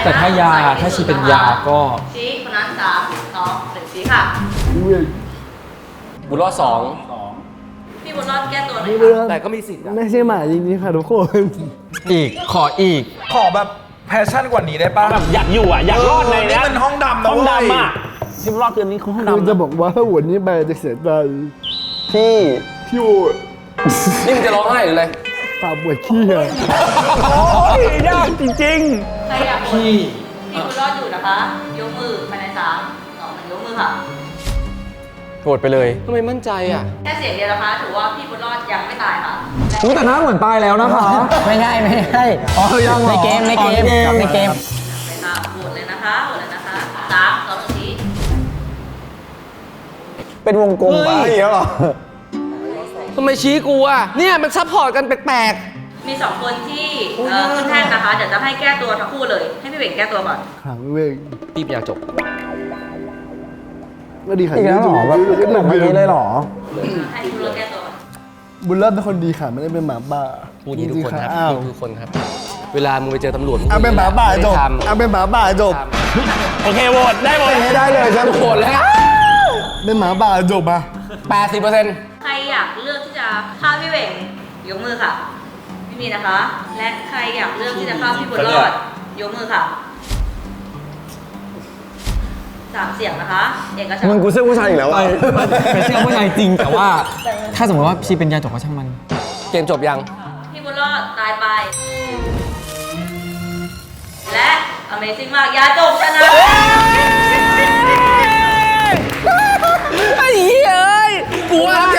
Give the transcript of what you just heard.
แต่ถ้ายาถ้าชีเป็นยาก็ชี้คนนั้น3 2 1ชี้ค่ะบุญรอด2 พี่บุญรอดแก้ตัวหน่อยค่ะแต่ก็มีสิทธิ์ไม่ใช่หมาจริงๆค่ะทุกคนอีกขออีกขอแบบแพชชั่นกว่านี้ได้ป่ะแบบอยากอยู่อ่ะอยากรอดในนี่มันห้องดำนะห้องเว้ยดำอ่ะที่รอดคืนนี้คือห้องคือดำจะนะบอกว่าถ้าวันนี้ไปจะเสียใจพี่พี่โอ๊ตนี่มึงจะร้องไห้หรืออะไรปากปวดขี้อะโอ้ยยากจริงใครอยากพี่พี่บุญรอดอยู่นะคะ ยกมือภายใน3 2 1ยกมือค่ะโกรธไปเลยทำไมมั่นใจอ่ะแค่เสียงเดียวนะคะ ถือว่าพี่บุญรอดยังไม่ตายค่ะอุ๊ยแต่หน้าเหมือนตายแล้วนะคะไม่ใช่อ๋อยังในเกมในเกมกับในเกมไปค่ะโหวตเลยนะคะโหวตเลยนะคะ3 2 1ชี้เป็นวงกลมไปแล้วเหรอทำไมชี้กูอ่ะ เนี่ยมันซัพพอร์ตกันแปลกมี2คนที่ขึ้นแท่นนะคะ เดี๋ยวจะให้แก้ตัวทั้งคู่เลย ให้พี่เบ่งแก้ตัวก่อนขังเวงๆพี่อยากจบก็ดีค่ะอีกแล้วเหรอแบบหนักแบบนี้เลยเหรอให้พี่บุญรอดแก้ตัวก่อนบุญเลิศเป็นคนดีค่ะไม่ได้เป็นหมาบ้าพูดอย่างนี้ทุกคนครับอ้าวพูดทุกคนครับ เวลามึงไปเจอตำรวจเอาเป็นหมาบ้าจบไม่ทเอาเป็นหมาบ้าจบๆ โอเคโหวตได้โหวตไม่ได้เลยใช่ไหมำโกรธแล้วเป็นหมาบ้าจบอ่ะ 80% ใครอยากเลือกที่จะฆ่าพี่เบ่งยกมือค่ะ ไม่มีนะคะ และใครอยากเลือกที่จะฆ่าพี่บุญรอดยกมือค่ะ3 เสียงนะคะ เอกฉันมึงท์กูเสื้อผู้ชายอีกแล้วอ่ะเป็นเชื่อผู้ชายจริงแต่ว่า ถ้าสมมติว่าชีเป็นยาจกก็ช่างมันเกมจบยังพี่บุญรอดตายไป และ Amazing มากยาจบชนะไอ้เหี้ยเอ้ยกูว่า